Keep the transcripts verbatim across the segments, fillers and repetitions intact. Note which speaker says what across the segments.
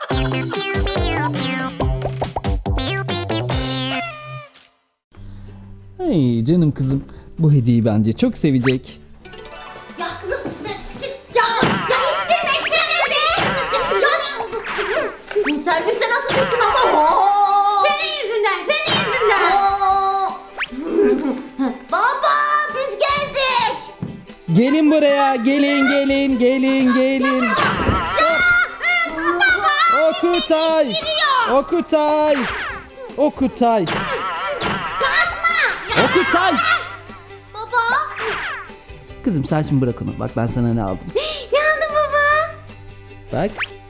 Speaker 1: Hey canım kızım, bu hediyeyi bence çok sevecek.
Speaker 2: Ya kızım ya, ya ittirmesene be. Canım. Servise nasıl düştün ama? Senin yüzünden, senin yüzünden. Baba biz geldik.
Speaker 1: Gelin buraya, gelin gelin gelin gelin. Okutay, Okutay, Okutay, Okutay.
Speaker 2: Baba.
Speaker 1: Kızım sen şimdi bırak onu. Bak ben sana ne aldım.
Speaker 2: Ne aldın baba?
Speaker 1: Bak.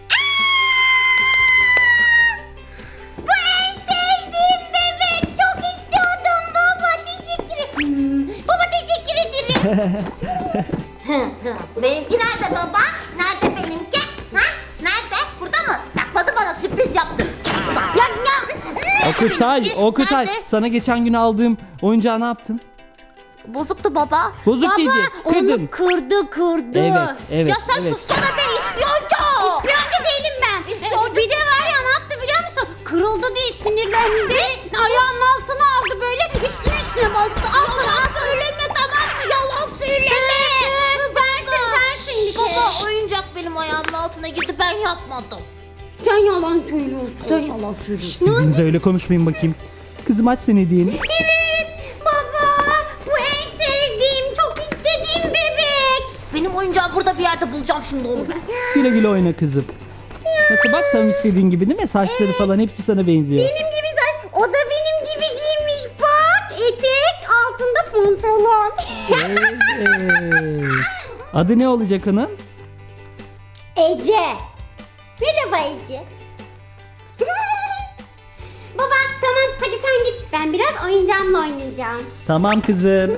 Speaker 2: Bu en sevdiğim bebek. Çok istiyordum baba. Teşekkür ederim. Baba teşekkür ederim. Benimki nerede baba? Nerede benimki? Ha? Nerede? Burada mı? Sakladı bana sürpriz yaptı. Ya ya.
Speaker 1: Okutay,
Speaker 2: Benimki
Speaker 1: Okutay.
Speaker 2: nerede?
Speaker 1: Sana geçen gün aldığım oyuncağı ne yaptın?
Speaker 2: Bozuktu baba.
Speaker 1: Bozuk
Speaker 2: baba,
Speaker 1: değildi, kırdın.
Speaker 2: onu kırdı kırdı.
Speaker 1: Evet, evet,
Speaker 2: Ya sen
Speaker 1: evet.
Speaker 2: sussana be ispiyoncu. İspiyoncu değilim ben. İspiyoncu. Bir de var ya ne yaptı biliyor musun? Kırıldı diye sinirlendi. Ayağının altına aldı böyle üstüne üstüne bastı. Yalan söyleme tamam mı? Yalan söyleme. Sensin sensin. Baba oyuncak benim ayağımın altına girdi ben yapmadım. Sen yalan söylüyorsun. Sen yalan söylüyorsun.
Speaker 1: Birbirinize öyle konuşmayın bakayım. Kızım aç sen hediyeni.
Speaker 2: Evet baba bu en sevdiğim çok istediğim bebek. Benim oyuncağı burada bir yerde bulacağım şimdi onu ben.
Speaker 1: Güle güle oyna kızım. Nasıl bak tam istediğin gibi değil mi? Saçları falan hepsi sana benziyor.
Speaker 2: Benim gibi saç o da benim gibi giymiş bak. Etek altında pantolon.
Speaker 1: Evet. Adı ne olacak onun?
Speaker 2: Ece. Merhaba Ece. Baba tamam hadi sen git. Ben biraz oyuncağımla oynayacağım.
Speaker 1: Tamam kızım.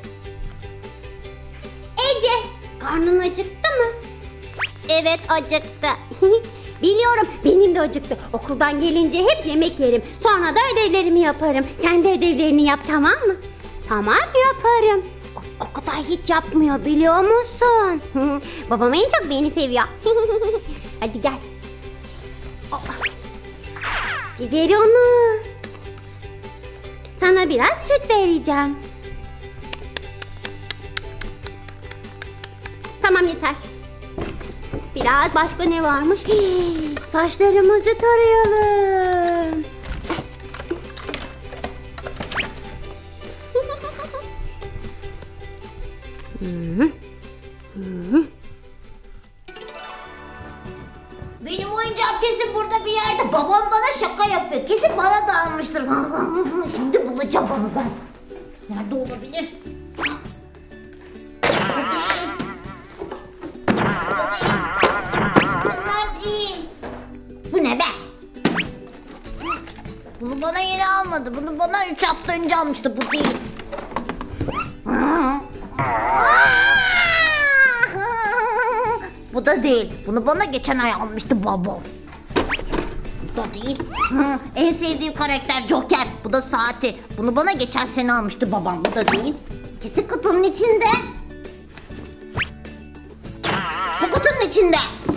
Speaker 2: Ece, karnın acıktı mı? Evet acıktı. Biliyorum benim de acıktı. Okuldan gelince hep yemek yerim. Sonra da ödevlerimi yaparım. Sen de ödevlerini yap tamam mı? Tamam yaparım. O, o kadar hiç yapmıyor biliyor musun? Babam en çok beni seviyor. Hadi gel. Ver onu. Sana biraz süt vereceğim. Tamam yeter. Biraz başka ne varmış? Hii, saçlarımızı tarayalım. Benim oyuncağım kesin burada bir yerde. Babam bana şaka yapıyor. Kesin bana da almıştır. Şimdi bulacağım onu ben. Nerede olabilir? Bunlar değil. Bu ne be? Bunu bana yeni almadı. Bunu bana üç hafta önce almıştı. Bu değil. Bu da değil. Bunu bana geçen ay almıştı babam. Bu da değil. En sevdiğim karakter Joker. Bu da saati. Bunu bana geçen sene almıştı babam. Bu da değil. Kesin kutunun içinde. Bu kutunun içinde.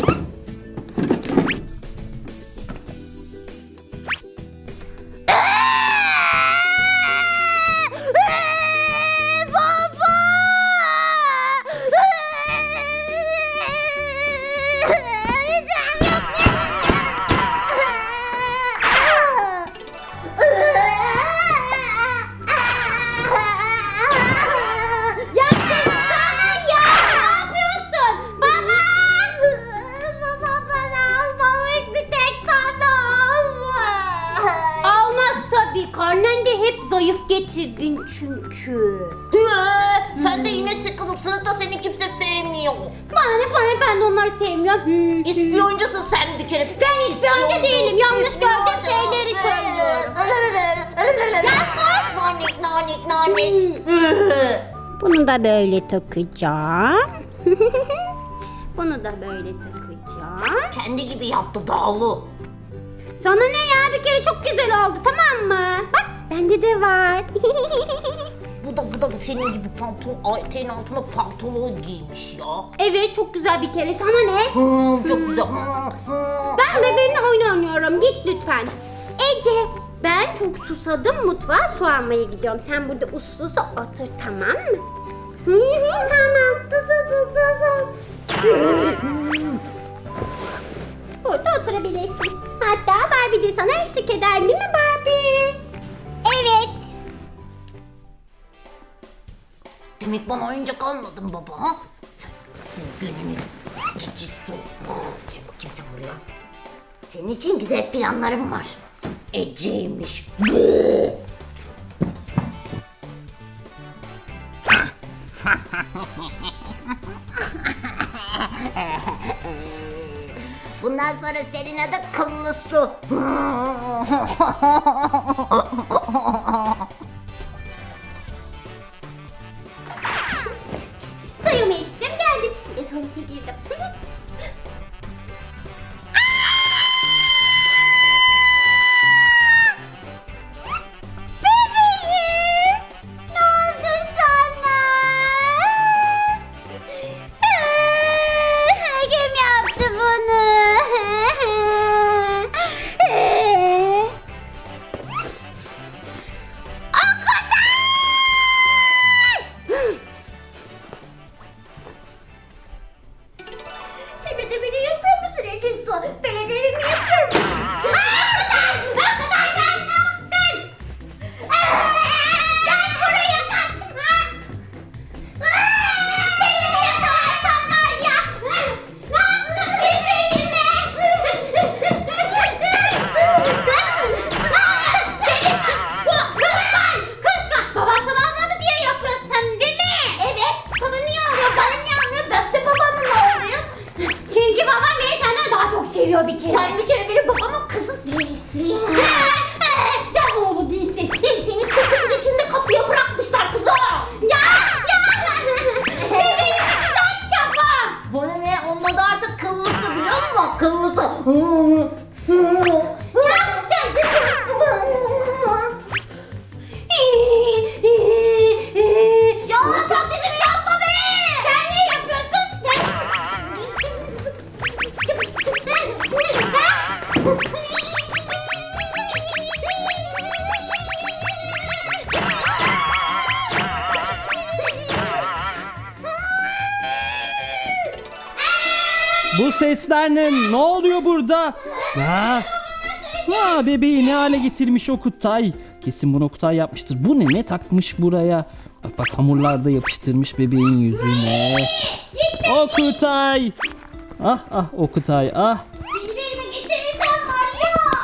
Speaker 2: Karnen de hep zayıf getirdin çünkü. Sen de yine sıkılıp sınıfta seni kimse sevmiyor. Bana ne bana ne ben de onları sevmiyorum. Hmm. İspiyoncusun sen bir kere. Ben ispiyoncu değilim. Yanlış gördüğüm şeyleri söylüyorum. Ya sus. Nanik nanik nanik. Bunu da böyle takacağım. Bunu da böyle takacağım. Kendi gibi yaptı Dağlı. Sana ne ya bir kere çok güzel oldu tamam mı? Bak bende de var. Bu da bu da senin gibi pantolon eteğin altına pantolon giymiş ya. Evet çok güzel bir kere sana ne? Hmm, çok güzel. Hmm, hmm. Ben bebeğimle oyun
Speaker 3: git lütfen. Ece, ben çok susadım, mutfağa su almaya gidiyorum. Sen burada uslu uslu otur, tamam mı? Hı hı, tamam. Burada oturabilirsin. Hatta Barbie de sana eşlik eder, değil mi Barbie?
Speaker 2: Evet. Demek bana oyuncak almadın baba ha? Sen görürsün gününü. Cici su. Gel bakayım sen buraya. Senin için güzel planlarım var. Ece'ymiş. Bundan sonra senin adı Kıllı Su.
Speaker 3: Suyumu içtim, geldim. Bir de tuvalete girdim. Bebeğim, ne oldu sana? Kim yaptı bunu?
Speaker 2: Sen de beni yapıyor musun Ece Su? Ben ödevimi yapıyorum. Arkadaş! Arkadaş sen ne yaptın? Gel buraya kaçma! Beni mi yakalarsan var ya? Ne yaptın bebeğime? Seni kızlar! Kızlar! Baban sana almadı diye yapıyorsun değil mi? Evet. Sana niye alıyor? Bana niye almıyor? Ben de babamın oluyor.
Speaker 3: Çünkü babam beni senden daha çok seviyor bir kere.
Speaker 2: Sen bir kere benim babamın kızı değilsin.
Speaker 3: Sen oğlu değilsin.
Speaker 2: Seni kızın içinde kapıya bırakmışlar kızı.
Speaker 3: Ya! Ya! Bebeğim ne güzel çabuk.
Speaker 2: Bana ne? Onun adı artık Kıllısı biliyor musun? Kıllısı. Ya taklidimi yapma be!
Speaker 3: Sen ne yapıyorsun?
Speaker 1: Bu sesler ne? Ne oluyor burada? Ha? Ha, bebeği ne hale getirmiş Okutay. Kesin bunu Okutay yapmıştır. Bu ne? Ne takmış buraya? Bak bak, hamurlarda yapıştırmış bebeğin yüzüne. Okutay. Ah ah Okutay ah.
Speaker 3: Elime geçirirsen var ya.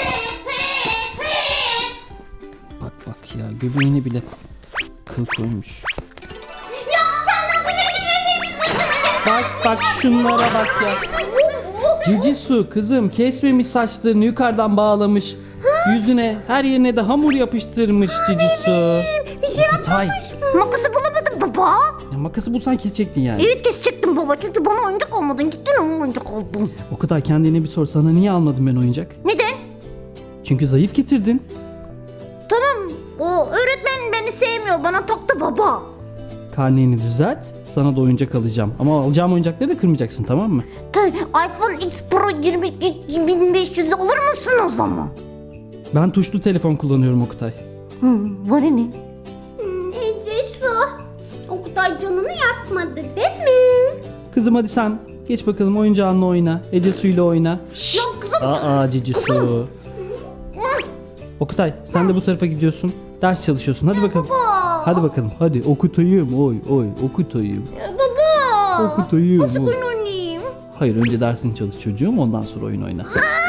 Speaker 1: Bak bak ya, göbeğine bile kıl koymuş.
Speaker 3: Ya sen nasıl benim bebeğimi sıçrayacaksın?
Speaker 1: Bak bak şunlara bak ya. Cici Su kızım kesmemiş saçlarını, yukarıdan bağlamış. Yüzüne her yerine de hamur yapıştırmış Cici Su.
Speaker 3: Bir şey
Speaker 1: Okutay.
Speaker 2: Makası bulamadım baba.
Speaker 1: Ya makası bulsan kesecektin yani.
Speaker 2: Evet kesecektim baba çünkü bana oyuncak almadın. Gittin onun oyuncak aldın.
Speaker 1: Okutay, kendine bir sor, sana niye almadım ben oyuncak?
Speaker 2: Neden?
Speaker 1: Çünkü zayıf getirdin.
Speaker 2: Tamam o öğretmen beni sevmiyor. Bana taktı baba.
Speaker 1: Karneni düzelt, sana da oyuncak alacağım. Ama alacağım oyuncakları da kırmayacaksın, tamam mı?
Speaker 2: Ta- iPhone X Pro yirmi iki bin beş yüz alır mısın o zaman?
Speaker 1: Ben tuşlu telefon kullanıyorum Okutay.
Speaker 2: Hı, var ne?
Speaker 3: Hmm, Ece Su. O kadar canını yakmadı değil mi?
Speaker 1: Kızım hadi sen geç bakalım oyuncağınla oyna. Ece Su'yla oyna. Şşt.
Speaker 2: Yok kızım.
Speaker 1: Aa Cici Su. Okutay sen de bu tarafa gidiyorsun. Ders çalışıyorsun, hadi bakalım.
Speaker 2: Baba.
Speaker 1: Hadi bakalım hadi, Okutay'ım oy oy Okutay'ım.
Speaker 2: Baba.
Speaker 1: Okutay'ım
Speaker 2: Nasıl
Speaker 1: oy.
Speaker 2: oyun oynayayım?
Speaker 1: Hayır, önce dersini çalış çocuğum, ondan sonra oyun oyna.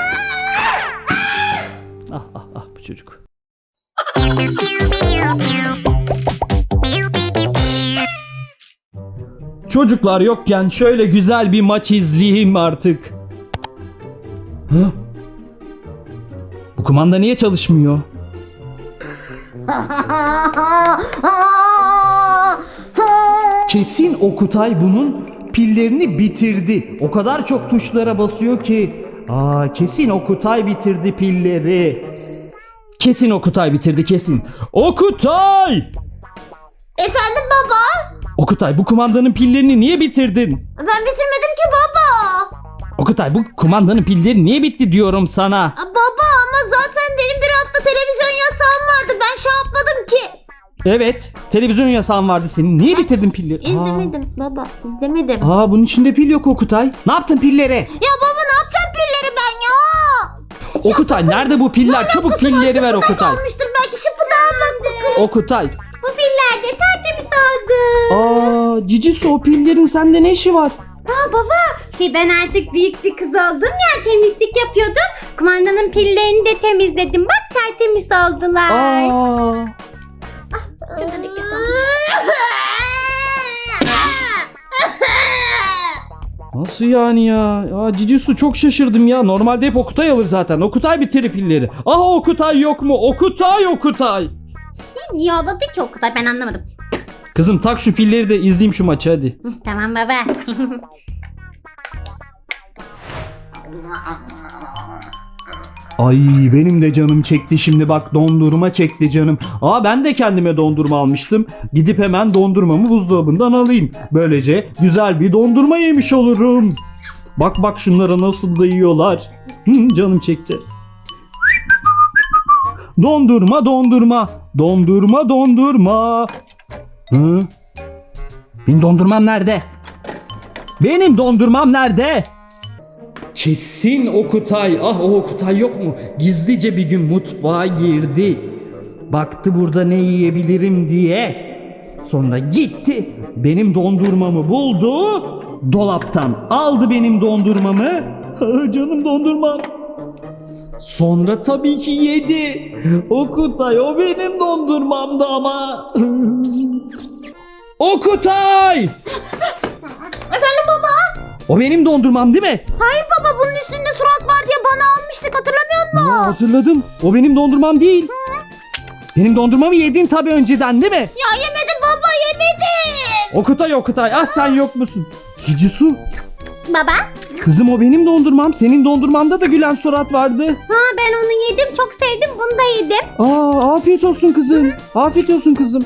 Speaker 1: Ah ah ah bu çocuk. Çocuklar yokken şöyle güzel bir maç izleyeyim artık. Hı? Bu kumanda niye çalışmıyor? Kesin Okutay bunun pillerini bitirdi. O kadar çok tuşlara basıyor ki. Aa, kesin Okutay bitirdi pilleri. Kesin Okutay bitirdi kesin. Okutay!
Speaker 2: Efendim baba?
Speaker 1: Okutay, bu kumandanın pillerini niye bitirdin?
Speaker 2: Ben bitirmedim ki baba.
Speaker 1: Okutay Okutay, bu kumandanın pilleri niye bitti diyorum sana.
Speaker 2: Aa, baba ama zaten benim bir hafta televizyon yasağım vardı. Ben şey yapmadım ki.
Speaker 1: Evet, televizyon yasağın vardı senin. Niye bitirdin pilleri?
Speaker 2: İzlemedim baba, izlemedim.
Speaker 1: Aa, aa, bunun içinde pil yok Okutay. Ne yaptın pillere?
Speaker 2: Ya baba ne yapacağım pilleri ben ya?
Speaker 1: Okutay, nerede bu piller? Çabuk pilleri ver Okutay.
Speaker 2: Almıştır belki şıpıdağım bak bakalım.
Speaker 1: Okutay.
Speaker 3: Bu piller de tertemiz oldu.
Speaker 1: Aa, Cicisu, o pillerin sende ne işi var?
Speaker 3: Aa baba, şey ben artık büyük bir kız oldum ya, temizlik yapıyordum. Kumandanın pillerini de temizledim. Bak tertemiz oldular.
Speaker 1: Aa. Nasıl yani ya? Ya Cicisu, çok şaşırdım ya. Normalde hep Okutay alır zaten. Okutay bitirir pilleri. Aha, Okutay yok mu? Okutay, Okutay.
Speaker 3: Niye ağladı ki o kadar, ben anlamadım.
Speaker 1: Kızım tak şu pilleri de izleyeyim şu maçı hadi.
Speaker 3: Hı, tamam baba.
Speaker 1: Ay, benim de canım çekti şimdi, bak dondurma çekti canım. Aa, ben de kendime dondurma almıştım. Gidip hemen dondurmamı buzdolabından alayım. Böylece güzel bir dondurma yemiş olurum. Bak bak şunlara nasıl da yiyorlar. Hı, canım çekti. Dondurma dondurma. Dondurma dondurma. Hı? Benim dondurmam nerede? Benim dondurmam nerede? Kesin Okutay. Ah, o Okutay yok mu? Gizlice bir gün mutfağa girdi. Baktı burada ne yiyebilirim diye. Sonra gitti. Benim dondurmamı buldu. Dolaptan aldı benim dondurmamı. Ah, canım dondurmam. Sonra tabii ki yedi. Okutay, o benim dondurmamdı ama. Okutay!
Speaker 2: Efendim baba?
Speaker 1: O benim dondurmam değil mi?
Speaker 2: Hayır baba, bunun üstünde surat var diye bana almıştık, hatırlamıyor musun?
Speaker 1: Aa, hatırladım. O benim dondurmam değil. Benim dondurmamı yedin tabii önceden değil mi?
Speaker 2: Ya yemedim baba, yemedim.
Speaker 1: Okutay, Okutay. Ah, sen yok musun? Cicisu.
Speaker 3: Baba?
Speaker 1: Kızım, o benim dondurmam. Senin dondurmanda da gülen surat vardı.
Speaker 3: Ha, ben onu yedim, çok sevdim, bunu da yedim.
Speaker 1: Aa, afiyet olsun kızım. Afiyet olsun kızım.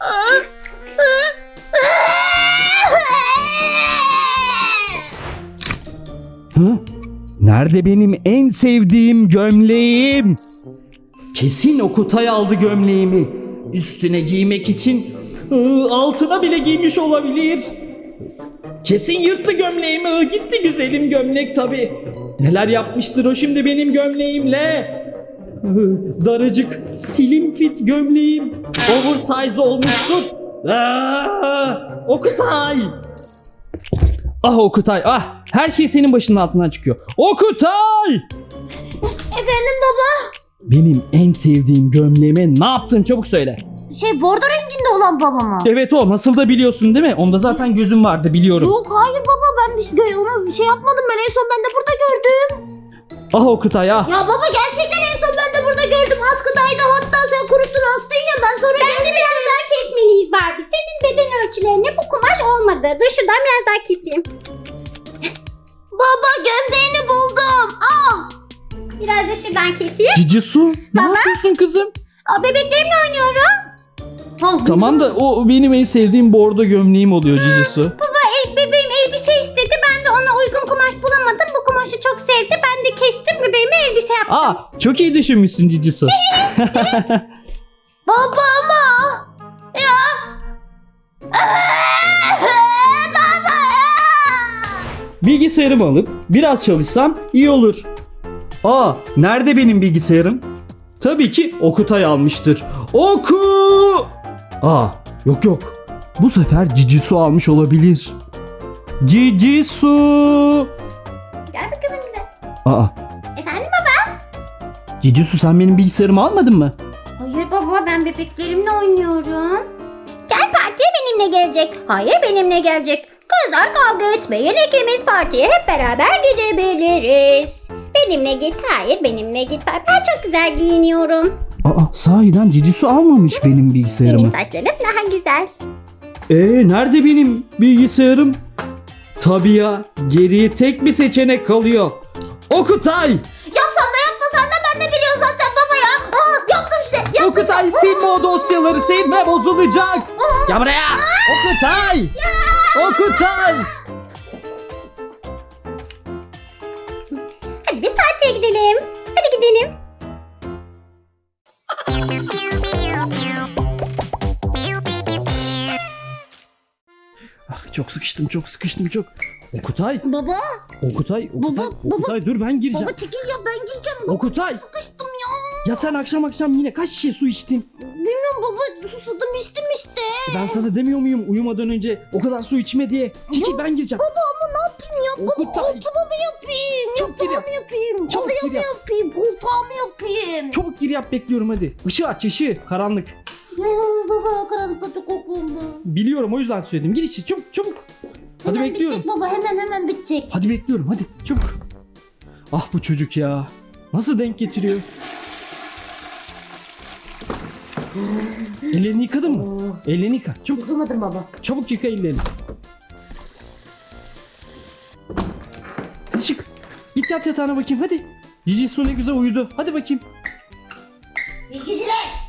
Speaker 1: Hı? Nerede benim en sevdiğim gömleğim? Kesin Okutay aldı gömleğimi. Üstüne giymek için ıı, altına bile giymiş olabilir. Kesin yırttı gömleğimi. Iı, gitti güzelim gömlek tabii. Neler yapmıştır o şimdi benim gömleğimle. Iı, daracık slim fit gömleğim oversize olmuştur. Aa, Okutay. Ah Okutay, ah, her şey senin başının altından çıkıyor. Okutay!
Speaker 2: Efendim baba?
Speaker 1: Benim en sevdiğim gömleğime ne yaptın, çabuk söyle.
Speaker 2: Şey, bordo renginde olan baba mı?
Speaker 1: Evet, o nasıl da biliyorsun değil mi? Onda zaten gözüm vardı, biliyorum.
Speaker 2: Yok hayır baba, ben bir şey, onu bir şey yapmadım, ben en son ben de burada gördüm.
Speaker 1: Ah Okutay, ah.
Speaker 2: Ya baba gerçekten en son ben de burada gördüm, askıdaydı, hatta sen kuruttun astın ya, ben sonra
Speaker 3: Bence biraz daha kesmeliyiz Barbie. Senin beden ölçülerine bu kumaş olmadı. Dur şuradan biraz daha keseyim.
Speaker 2: Baba gömleğini buldum. Ah!
Speaker 3: Biraz da şuradan keseyim.
Speaker 1: Cicisu, ne
Speaker 3: Baba?
Speaker 1: yapıyorsun kızım?
Speaker 3: Aa, bebeklerimle oynuyorum.
Speaker 1: Tamam da o benim en sevdiğim bordo gömleğim oluyor Cicisu.
Speaker 3: Baba, el, bebeğim elbise istedi. Ben de ona uygun kumaş bulamadım. Bu kumaşı çok sevdi. Ben de kestim, bebeğime elbise yaptım.
Speaker 1: Aa, çok iyi düşünmüşsün Cicisu.
Speaker 2: Baba ama. Ya. Baba.
Speaker 1: Bilgisayarımı alıp biraz çalışsam iyi olur. Aa, nerede benim bilgisayarım? Tabii ki Okutay almıştır. Oku! Aa, yok yok. Bu sefer Cicisu almış olabilir. Cicisu!
Speaker 3: Gel bakalım bize.
Speaker 1: Aa,
Speaker 3: Efendim baba?
Speaker 1: Cicisu, sen benim bilgisayarımı almadın mı?
Speaker 3: Hayır baba, ben bebeklerimle oynuyorum. Gel, partiye benimle gelecek. Hayır, benimle gelecek. Kızlar kavga etmeyin, ikimiz partiye hep beraber gidebiliriz. Benimle git, hayır benimle git. Ben çok güzel giyiniyorum.
Speaker 1: Aa, sahiden Cicisu almamış benim bilgisayarımı.
Speaker 3: Benim saçlarım daha güzel.
Speaker 1: Ee, nerede benim bilgisayarım? Tabii ya, geriye tek bir seçenek kalıyor. Okutay!
Speaker 2: Yapsan da yapmasan da ben de biliyorum zaten baba ya. Aa, yaptım işte. Yaptım.
Speaker 1: Okutay, silme o dosyaları, silme, bozulacak. Gel buraya. Okutay! Okutay! çok sıkıştım çok sıkıştım çok. Okutay.
Speaker 2: Baba.
Speaker 1: Okutay. Okutay.
Speaker 2: Baba, baba.
Speaker 1: Okutay dur ben gireceğim.
Speaker 2: Baba çekil ya, ben gireceğim. Baba,
Speaker 1: Okutay.
Speaker 2: sıkıştım ya.
Speaker 1: Ya sen akşam akşam yine kaç şişe su içtin?
Speaker 2: Bilmiyorum baba, susadım içtim işte.
Speaker 1: Ben sana demiyor muyum uyumadan önce o kadar su içme diye? Çekil ben gireceğim.
Speaker 2: Baba ama ne yapayım ya? Baba
Speaker 1: Okutay.
Speaker 2: altıma mı yapayım?
Speaker 1: Çok gir
Speaker 2: Yatağa
Speaker 1: yap.
Speaker 2: mı yapayım?
Speaker 1: Çabuk
Speaker 2: Halıya
Speaker 1: gir
Speaker 2: mı
Speaker 1: yap.
Speaker 2: yapayım? Koltuğa mı yapayım?
Speaker 1: Çabuk gir yap bekliyorum hadi. Işığı aç ışığı karanlık.
Speaker 2: Ya baba, karanlıkta çok korkuyorum ben.
Speaker 1: Biliyorum o yüzden söyledim. Gir içi çabuk çabuk. Hadi
Speaker 2: Hemen
Speaker 1: bekliyorum.
Speaker 2: bitecek baba, hemen hemen bitecek.
Speaker 1: Hadi bekliyorum hadi çabuk. Ah bu çocuk ya. Nasıl denk getiriyor? Ellerini yıkadın mı?
Speaker 2: Oo,
Speaker 1: Ellerini yıka. Çabuk
Speaker 2: yıkamadım baba.
Speaker 1: çabuk yıka ellerini. Hadi çık. Git yat yatağına bakayım hadi. Cici su ne güzel uyudu. Hadi bakayım.
Speaker 2: Bilgiciler.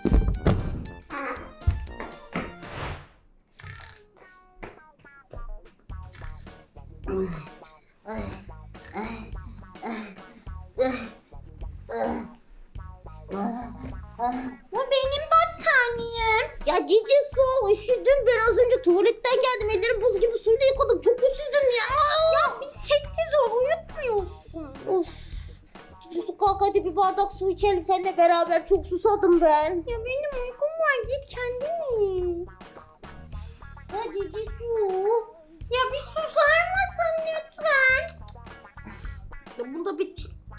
Speaker 3: Bu benim battaniyem.
Speaker 2: Ya Cici su, üşüdüm. Ben az önce tuvaletten geldim. Ellerim buz gibi suyla yıkadım. Çok üşüdüm ya.
Speaker 3: Ya bir sessiz ol, uyutmuyorsun.
Speaker 2: Of. Cici su, kalk hadi bir bardak su içelim seninle beraber. Çok susadım ben.
Speaker 3: Ya benim uykum var, git kendin iç.
Speaker 2: Ya Cici su.
Speaker 3: Ya bir susar mısın lütfen?
Speaker 2: Ya bunda bit.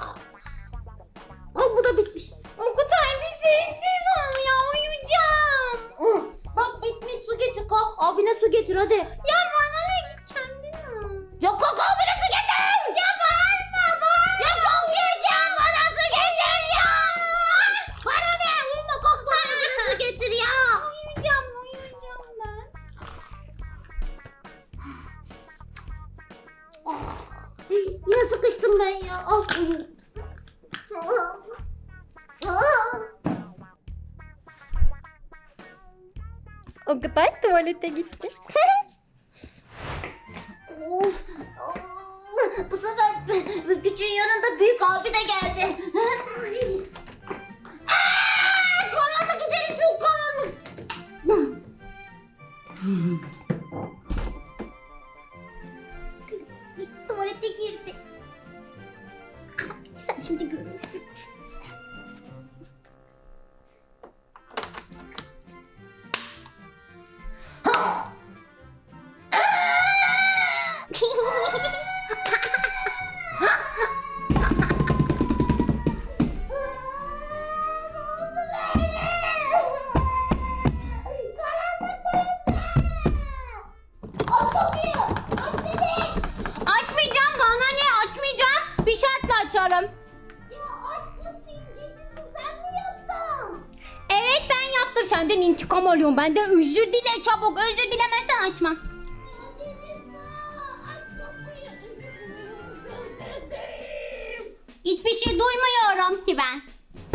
Speaker 2: Aa, bu da bitmiş.
Speaker 3: Okutay bir sessiz ol ya, uyuyacağım.
Speaker 2: Hı. Bak bitmiş, su getir kalk. Abine su getir hadi.
Speaker 3: Ya bana ne, git kendin al.
Speaker 2: Ya kalk abine su getir.
Speaker 3: Ya bağırma bağırma.
Speaker 2: Ya kalk yiyeceğim, bana su getir ya. Bana ne? Uyuma, kalk bana abine su getir ya.
Speaker 3: Uyuyacağım uyuyacağım ben.
Speaker 2: Yine sıkıştım ben ya. Al suyu.
Speaker 3: Okutay tuvalete gitti.
Speaker 2: Of. Bu sefer küçüğün yanında büyük abi de geldi. Aa, karanlık, içeri çok karanlık. Tuvalete girdi. Sen şimdi görürsün.
Speaker 3: Açmayacağım, bana ne, açmayacağım. Bir şartla açarım. Evet ben yaptım, senden intikam alıyorum. Benden özür dile çabuk, özür dilemezsen açmam. Hiçbir şey duymuyorum ki ben.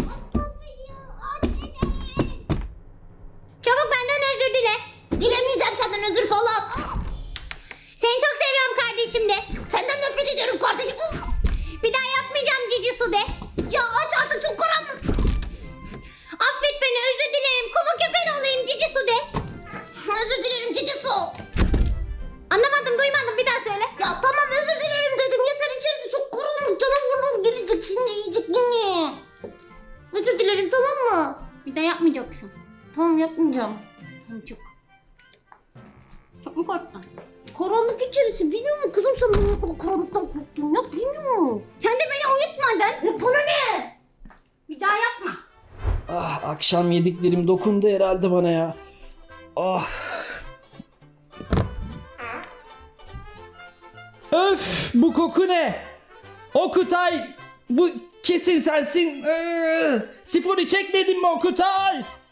Speaker 3: Çabuk benden özür dile.
Speaker 2: Dilemeyeceğim senden özür falan.
Speaker 3: Seni çok seviyorum kardeşim de.
Speaker 2: Senden nefret ediyorum kardeşim.
Speaker 3: Bir daha yapmayacağım cici su de.
Speaker 2: Ya aç artık, çok karanlık.
Speaker 3: Affet beni, özür dilerim. Kulu köpen olayım cici su de.
Speaker 2: Özür dilerim Cici su.
Speaker 3: Anlamadım, duymadım, bir daha söyle.
Speaker 2: Ya tamam özür dilerim dedim. Yeter, içerisi çok karanlık. Canavarlar gelecek şimdi, yiyecek beni. Özür dilerim, tamam mı?
Speaker 3: Bir daha yapmayacaksın.
Speaker 2: Tamam, yapmayacağım.
Speaker 3: Tamam, çok. Çok mu korktun?
Speaker 2: Karanlık içerisi, biliyor musun? Kızım sen bana ne kadar karanlıktan korktun ya, bilmiyor musun?
Speaker 3: Sen de beni uyutmadın.
Speaker 2: Ya bana ne?
Speaker 3: Bir daha yapma.
Speaker 1: Ah akşam yediklerim dokundu herhalde bana ya. Ah. Öf bu koku ne? Okutay bu kesin sensin. Iıı, Sifonu çekmedin mi Okutay?